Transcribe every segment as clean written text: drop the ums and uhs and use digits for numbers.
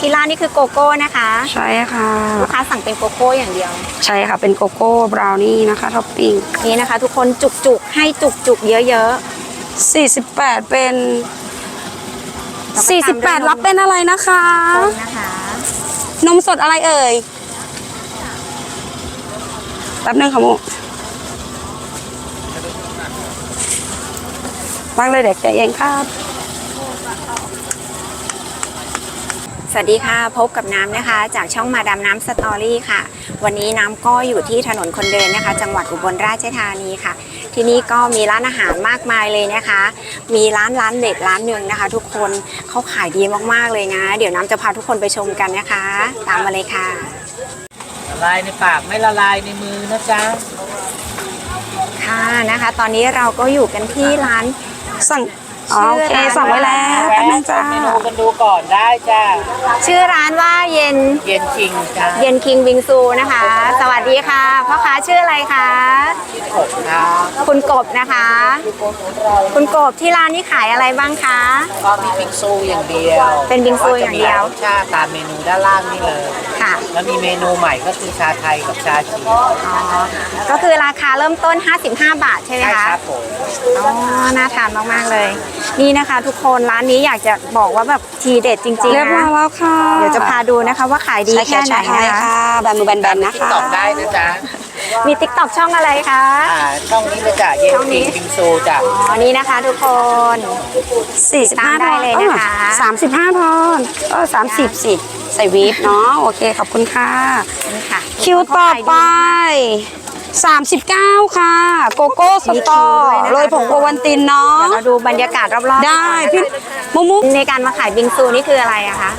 ที่ร้านนี่คือโกโก้นะคะใช่ค่ะลูกค้าสั่งเป็นโกโก้อย่างเดียวใช่ค่ะเป็นโกโก้บราวนี่นะคะท็อปปิ้งนี่นะคะทุกคนจุกๆให้จุกๆเยอะๆ48เป็น48รับเป็นอะไรนะคะนมสดอะไรเอ่ยแป๊บนึงค่ะมุวางเลยเด็กใจเองครับสวัสดีค่ะพบกับน้ำนะคะจากช่องมาดามน้ำสตอรี่ค่ะวันนี้น้ำก็อยู่ที่ถนนคนเดินนะคะจังหวัดอุบลราชธานีค่ะที่นี่ก็มีร้านอาหารมากมายเลยนะคะมีร้านเด็ดร้านหนึ่งนะคะทุกคนเขาขายดีมากๆเลยนะเดี๋ยวน้ำจะพาทุกคนไปชมกันนะคะตามมาเลยค่ะละลายในปากไม่ละลายในมือนะจ๊ะค่ะนะคะตอนนี้เราก็อยู่กันที่ร้านสั่งโอเคสั่งไว้แล้วแป๊บนึงจ้าเมนูกันดูก่อนได้จ้าชื่อร้านว่าเย็นคิงจ้าเย็นคิงบิงซูนะคะสวัสดีค่ะพ่อค้าชื่ออะไรคะกบครับคุณกบนะคะคุณกบที่ร้านนี้ขายอะไรบ้างคะก็มีบิงซูอย่างเดียวเป็นบิงซูอย่างเดียวชาตามเมนูด้านล่างนี่เลยค่ะแล้วมีเมนูใหม่ก็คือชาไทยกับชาจีนก็คือราคาเริ่มต้น55 บาทใช่ไหมคะใช่ครับผมอ๋อน่าทานมากๆเลยนี่นะคะทุกคนร้านนี้อยากจะบอกว่าแบบทีเด็ดจริงๆนะเรียบร้อยแล้วค่ะเดี๋ยวจะพาดูนะคะว่าขายดีแค่ไหนนะคะแบนมือแบนๆนะคะตอบได้นะจ๊ะมีติ๊กต็อกช่องอะไรคะช่องนี้เลยจ้ะเย็นคิงบิงซูจ้ะอ๋อนี่นะคะทุกคน 45 ได้เลยนะคะ 35ทอน30สิใส่วีฟเนาะโอเคขอบคุณค่ะนี่ค่ะคิวต่อไป39ค่ะโกโก้สตอโรยผงโอวัลตินเนาะเราดูบรรยากาศรอบๆได้พี่มุกในการมาขายบิงซูนี่คืออะไรอะคะ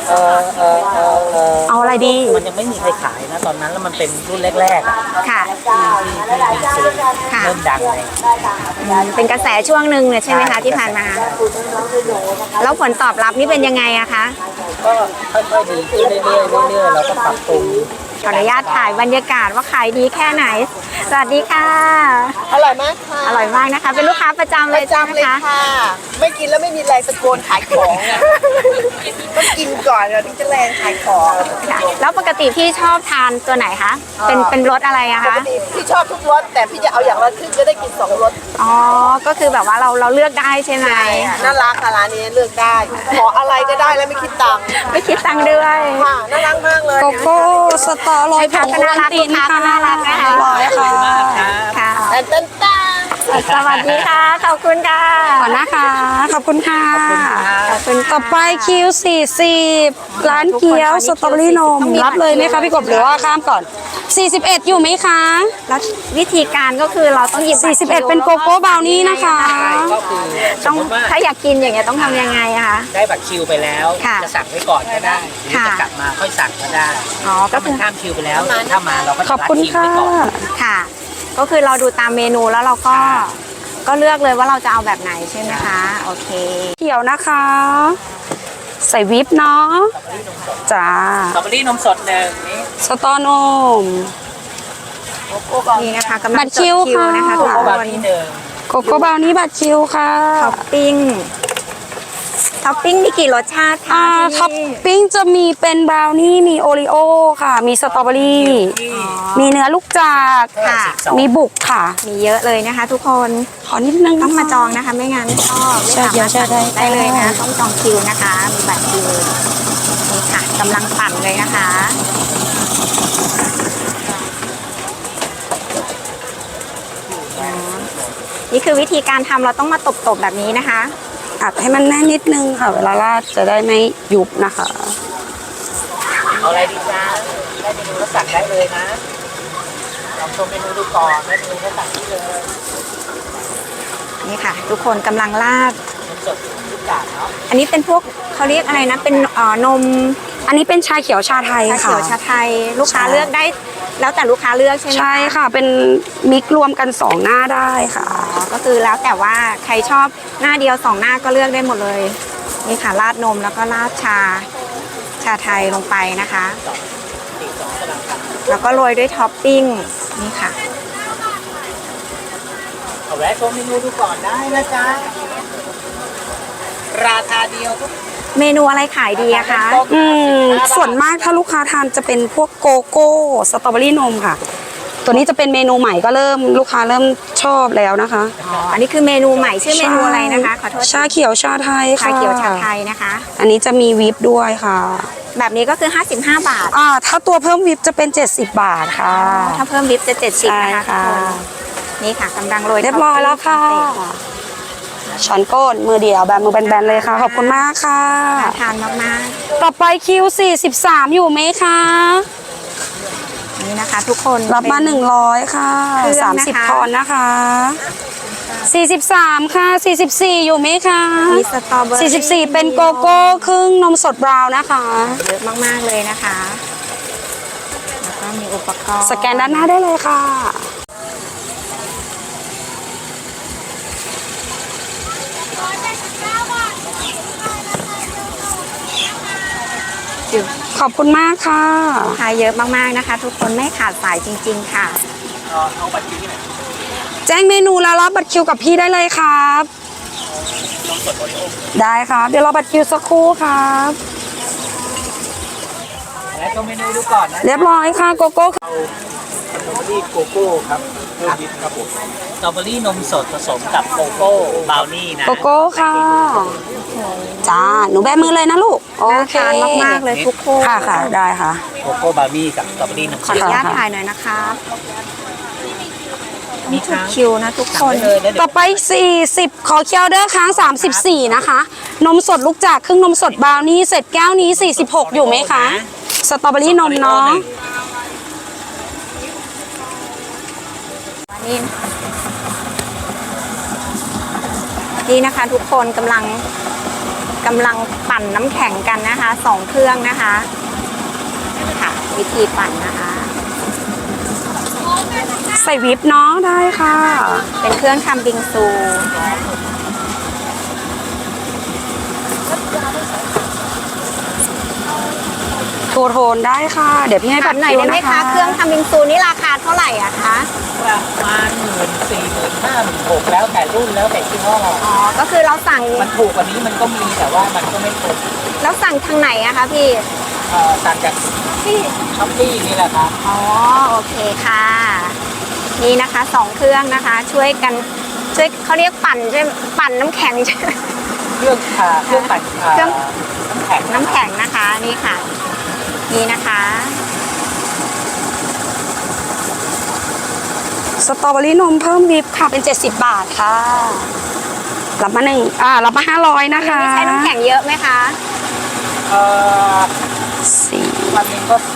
เอาอะไรดีมันยังไม่มีใครขายนะตอนนั้นแล้วมันเป็นรุ่นแรกๆค่ะที่บิงซูเริ่มดังเลยเป็นกระแสช่วงหนึ่งเลยใช่ไหมคะที่ผ่านมาแล้วผลตอบรับนี่เป็นยังไงอะคะก็ค่อยๆดีขึ้นเรื่อยๆเราก็ปรับปรุงขออนุญาตถ่ายบรรยากาศว่าขายดีแค่ไหนสวัสดีค่ะอร่อยมากค่ะอร่อยมากนะคะเป็นลูกค้าประจำเลยค่ะไม่กินแล้วไม่มีแรงตะโกนขายของต้องกินก่อนถึงจะแรงขายของค่ะแล้วปกติพี่ชอบทานตัวไหนคะเป็นรสอะไรอะคะปกติพี่ชอบทุกรสแต่พี่จะเอาอย่างละครึ่งจะได้กิน2รสอ๋อก็คือแบบว่าเราเลือกได้ใช่ไหมน่ารักค่ะร้านนี้เลือกได้ขออะไรก็ได้แล้วไม่คิดตังค์ด้วยค่ะน่ารักมากเลยโกโก้สตอโรยผงโอวัลตินค่ะน่ารักนะคะร้อยค่ะค่ะตั้งสวัสดีค่ะขอบคุณค่ะขอบนะคะขอบคุณค่ะต่อไปคิว40ร้านเกี๊ยวสตรอเบอรี่นมรับเลยไหมคะพี่กบหรือว่าข้ามก่อน41อยู่ไหมคะแล้ววิธีการก็คือเราต้องหยิบ 41เป็นโกโก้บราวนี่นะคะต้องถ้าอยากกินอย่างเงี้ยต้องทำยังไงคะได้บัตรคิวไปแล้วจะสั่งไว้ก่อนก็ได้หรือจะกลับมาค่อยสั่งก็ได้อ๋อก็คือข้ามคิวไปแล้วถ้ามาเราก็ขอบคุณค่ะค่ะก็คือเราดูตามเมนูแล้วเราก็เลือกเลยว่าเราจะเอาแบบไหนใช่ไหมคะโอเคเขียวนะคะใส่วิปเนาะจ้าสตรอเบอรี่นมสด1นี่สตอนมนี่นะคะกำลังบัตรคิวนะคะทุกคนโกโก้บราวนี่บัตรคิวค่ะท็อปปิ้งมีกี่รสชาติคะท็อปปิ้งจะมีเป็นบราวนี่มีโอรีโอค่ะมีสตรอเบอรี่มีเนื้อลูกจากค่ะมีบุกค่ะมีเยอะเลยนะคะทุกคนขอนิดนึงต้องมาจองนะคะไม่งั้นก็ไม่สามารถได้เลยนะต้องจองคิวนะคะมีบัตรคิวนี่ค่ะกำลังปั่นเลยนะคะนี่คือวิธีการทำเราต้องมาตบแบบนี้นะคะอัดให้มันแน่นนิดนึงค่ะเวลาราดจะได้ไม่ยุบนะคะเอาอะไรดีจ้าได้เมนูก็สั่งได้เลยนะลองชมเมนูดูก่อนได้เมนูก็สั่งได้เลยนี่ค่ะทุกคนกำลังราดสดทุกอย่างเนาะอันนี้เป็นพวกเขาเรียกอะไรนะเป็นนมอันนี้เป็นชาเขียวชาไทยค่ะชาเขียวชาไทยลูกค้าเลือกได้แล้วแต่ลูกค้าเลือกใช่ไหมใช่ค่ะเป็นมิกรวมกัน2หน้าได้ค่ะก็คือแล้วแต่ว่าใครชอบหน้าเดียว2หน้าก็เลือกได้หมดเลยนี่ค่ะราดนมแล้วก็ราดชาไทยลงไปนะคะแล้วก็โรยด้วยท็อปปิ้งนี่ค่ะเอาแวะชมเมนูดูก่อนได้นะจ๊ะราคาเดียวเมนูอะไรขายดีอะคะส่วนมากถ้าลูกค้าทานจะเป็นพวกโกโก้สตรอเบอรี่นมค่ะ ตัวนี้จะเป็นเมนูใหม่ก็ลูกค้าเริ่มชอบแล้วนะคะอ๋อ อันนี้คือเมนูใหม่ชื่อเมนูอะไรนะคะ ขอโทษชาเขียวชาไทยค่ะชาเขียวชาไทยนะคะอันนี้จะมีวิปด้วยค่ะแบบนี้ก็คือ 55 บาทถ้าตัวเพิ่มวิปจะเป็น70 บาทค่ะถ้าเพิ่มวิปจะ 70 ใช่นะคะค่ะทุกคนนี่ค่ะกำลังโรยเรียบร้อยแล้วค่ะช้อนโก้นมือเดียวแบบมือแบนๆเลยค่ะ ขอบคุณมากค่ะน่าทานมากต่อไปคิว43อยู่ไหมคะๆนี่นะคะ ทุกคนรับมาเป็น 100ค่ะเครื่องนะคะ 30 พอนนะคะ43ค่ะ44อยู่ไหมคะมีสตรอเบอรี่ 44เป็นโกโก้ครึ่งนมสดบราวน์นะคะเยอะมากๆเลยนะคะ แล้วก็มีอุปกรณ์สแกนด้านหน้าได้เลยค่ะ ขอบคุณมากค่ะลูกค้าเยอะมากๆนะคะ ทุกคนไม่ขาดสายจริง ๆ ค่ะแจ้งเมนูแล้วรับบัตรคิวกับพี่ได้เลยครับ ได้ครับ เดี๋ยวรอบัตรคิวสักครู่ครับและชมเมนูดูก่อนนะเรียบร้อยค่ะโกโก้สตรอเบอรี่โกโก้ครับเพิ่มนิดครับผมสตรอเบอรี่นมสดผสมกับโกโก้บราวนี่นะโกโก้ค่ะ จ้า หนูแบมือเลยนะลูก โอน่าเคทานมากๆเลยทุกคนค่ะค่ะ ได้ค่ะโกโก้บราวนี่กับสตรอเบอรี่นมขสอดอนุญาตค่ะถ่ายหน่อยนะครับมีถูกค้างคิวนะทุกคนเลยนะต่อไป 40 ขอเคียวเดอร์ค้าง 34 นะคะ นมสดลูกจากครึ่งนมสดบราวนี่เสร็จแก้วนี้ 46 อยู่ไหมคะ สตรอเบอรี่นมเนาะนี่นี่นะคะทุกคนกำลังปั่นน้ำแข็งกันนะคะ2เครื่องนะคะค่ะวิธีปั่นนะคะใส่วิปเนาะได้ค่ะเป็นเครื่องทำบิงซูโทโทนได้ค่ะ เดี๋ยวพี่ให้ถาบัมตรหน่อยคิวได้ไหมนะคะเครื่องทำบิงซูนี่ราคาเท่าไหร่อะคะประมาณ14,000 15,000 16,000แล้วแต่รุ่นแล้วแต่ยี่ห้ออ๋อก็คือเราสั่งมันถูกกว่านี้มันก็มีแต่ว่ามันก็ไม่ครบแล้วสั่งทางไหนอะคะพี่ต่างจากที่ช้อปปี้นี่แหละครับอ๋อโอเคค่ะ นี่นะคะ2เครื่องนะคะ ช่วยเขาเรียกปั่นใช่ไหมปั่นน้ำแข็งใช่ไหมเครื่องปั่นเครื่องน้ำแข็งน้ำแข็งนะคะนี่ค่ะ นี่นะคะสตรอเบอรี่นมเพิ่มวิปค่ะเป็น 70 บาทค่ะ รับมารับมา500นะคะใช้น้ำแข็งเยอะไหมคะสี่วันหนึงก็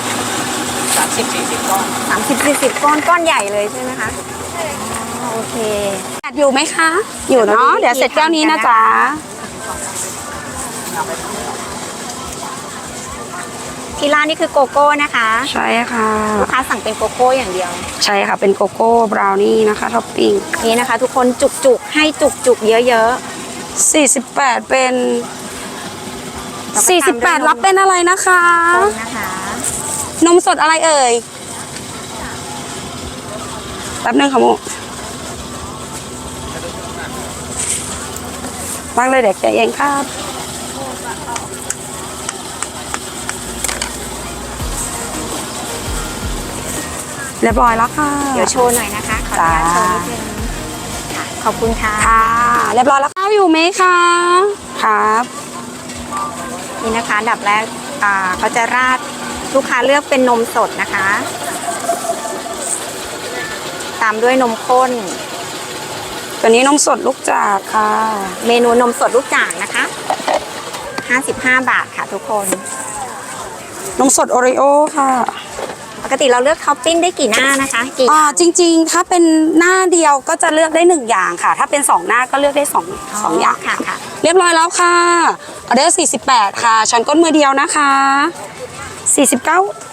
30-40 ก้อน 30-40 ก้อนใหญ่เลยใช่ไหมคะอ๋อโอเคอยู่ไหมคะ อยู่เนาะ เดี๋ยวเสร็จแก้วนี้นะจ๊ะที่ร้านนี่คือโกโก้นะคะใช่ค่ะลูกค้าสั่งเป็นโกโก้อย่างเดียวใช่ค่ะ เป็นโกโก้บราวนี่นะคะท็อปปิ้งนี่นะคะ ทุกคนจุกๆให้จุกๆเยอะ 48 เป็นแล้วก็ตามด้วยนม 48 รับเป็นอะไรนะคะๆคนนะคะนมสดอะไรเอ่ย แป๊บนึงค่ะโมวางเลยเด็กแกะเองครับ เรียบร้อยแล้วค่ะเดี๋ยวโชว์หน่อยนะคะ ขออนุญาตโชว์นิดนึงค่ะ ขอบคุณค่ะค่ะ เรียบร้อยแล้วข้าวอยู่ไหมคะ ครับนี่นะคะอันดับแรกเขาจะราดลูกค้าเลือกเป็นนมสดนะคะ ตามด้วยนมข้นตัวนี้นมสดลูกจากค่ะเมนูนมสดลูกจ่างนะคะ55 บาทค่ะทุกคนนมสดโอริโอค่ะปกติเราเลือกท็อปปิ้งได้กี่หน้านะคะกี่จริงๆ ถ้าเป็นหน้าเดียวก็จะเลือกได้1อย่างค่ะ ถ้าเป็น2หน้าก็เลือกได้2อย่างค่ะค่ะเรียบร้อยแล้วค่ะออเดอร์48 ค่ะช้อนก้นมือเดียวนะคะ49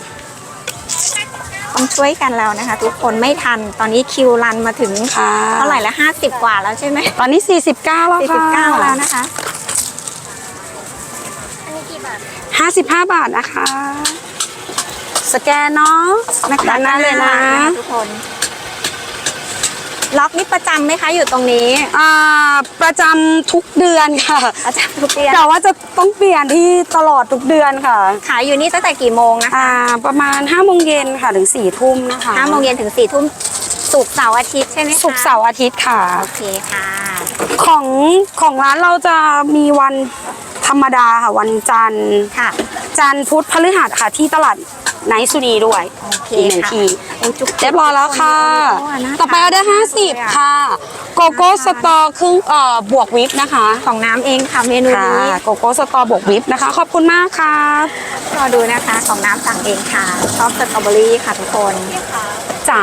ต้องช่วยกันแล้วนะคะ ทุกคนไม่ทันตอนนี้คิวรันมาถึงค่ะเท่าไหร่ละ50 กว่าแล้วใช่ไหมตอนนี้49แล้วค่ะ 49แล้วนะคะ 55 บาทนะคะ สแกนเนาะนะคะด้านหน้าเลยนะทุกคนล็อกนี่ประจำไหมคะอยู่ตรงนี้ประจำทุกเดือนค่ะประจำทุกเดือนแต่ว่าจะต้องเปลี่ยนที่ตลอดทุกเดือนค่ะขายอยู่นี่ตั้งแต่กี่โมงนะคะประมาณ5โมงเย็นค่ะถึง4ทุ่มนะคะ 5 โมงเย็นถึง 4 ทุ่มศุกร์เสาร์อาทิตย์ใช่ไหมคะศุกร์เสาร์อาทิตย์ค่ะโอเคค่ะของร้านเราจะมีวันธรรมดาค่ะวันจันทร์ค่ะจันทร์พุธพฤหัสค่ะที่ตลาดไนท์สุนีด้วยโอเคอีกหนึ่งค่ะทีโอ้จุกเรียบร้อยแล้วค่ะน่าต่อไปออเดอร์ทานมากเลย 50 ค่ะ โกโก้สตอครึ่งบวกวิปนะคะของน้ำเองค่ะเมนูค่ะนี้โกโก้สตอบวกวิปนะคะ ขอบคุณมากค่ะรอดูนะคะของน้ำสั่งเองค่ะชอบสตรอเบอรี่ค่ะทุกคนจ๋า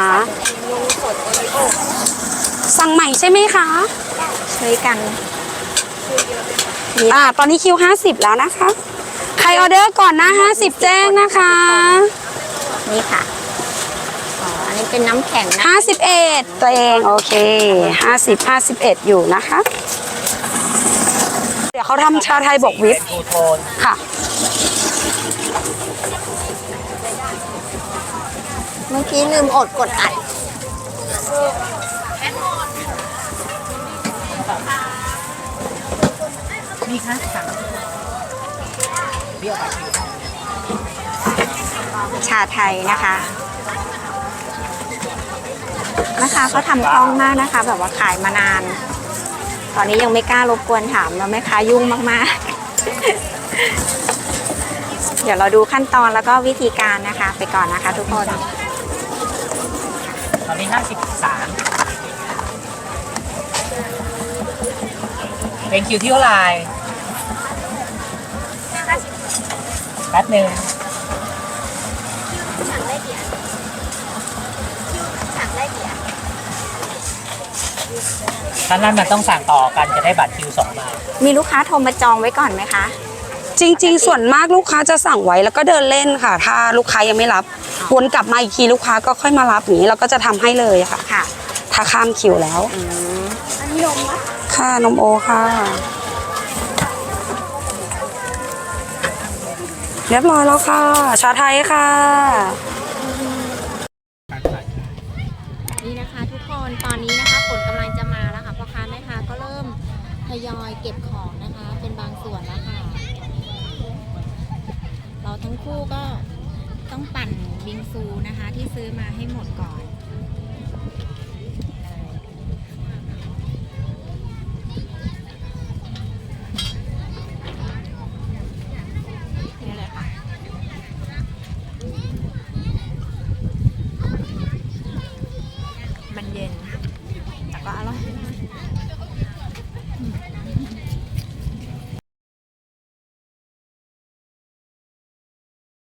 สั่งใหม่ใช่ไหมคะช่วยกันมีตอนนี้คิว50 แล้วนะคะ ใครออเดอร์ก่อนหน้า50 แจ้งนะคะนี่ค่ะอ๋ออันนี้เป็นน้ำแข็งนะ 51 ตัวเองโอเค 51 อยู่นะคะ เดี๋ยวเขาทำชาไทยบวกวิปเป็นทูโทนค่ะเมื่อกี้ลืมอดกดอัดมีค่ะสั่งเบี้ยวปากคิวชาไทยนะคะนะคะเขาทำคล่องมากนะคะ แบบว่าขายมานาน ตอนนี้ยังไม่กล้ารบกวนถามแล้วแม่ค้ายุ่งมากๆ เดี๋ยวเราดูขั้นตอนแล้วก็วิธีการนะคะ ไปก่อนนะคะ ทุกคนตอนนี้53เป็นคิวที่เท่าไหร่แป๊บหนึ่งท่านนั้นมันต้องสั่งต่อกันจะได้บัตรคิว2 ใบมีลูกค้าโทรมาจองไว้ก่อนไหมคะจริง ๆ ส่วนมากลูกค้าจะสั่งไว้แล้วก็เดินเล่นค่ะ ถ้าลูกค้ายังไม่รับวนกลับมาอีกทีลูกค้าก็ค่อยมารับอย่างนี้เราก็จะทำให้เลยค่ะค่ะถ้าข้ามคิวแล้วอันนี้นมนะค่ะนมโอค่ะ เรียบร้อยแล้วค่ะ ชาไทยค่ะนี่นะคะทุกคนตอนนี้นะคะผลกำลังจะมาแล้วค่ะพ่อค้าแม่ค้าก็เริ่มทยอยเก็บของนะคะ เป็นบางส่วนแล้วค่ะ เราทั้งคู่ก็ต้องปั่นบิงซูนะคะ ที่ซื้อมาให้หมดก่อน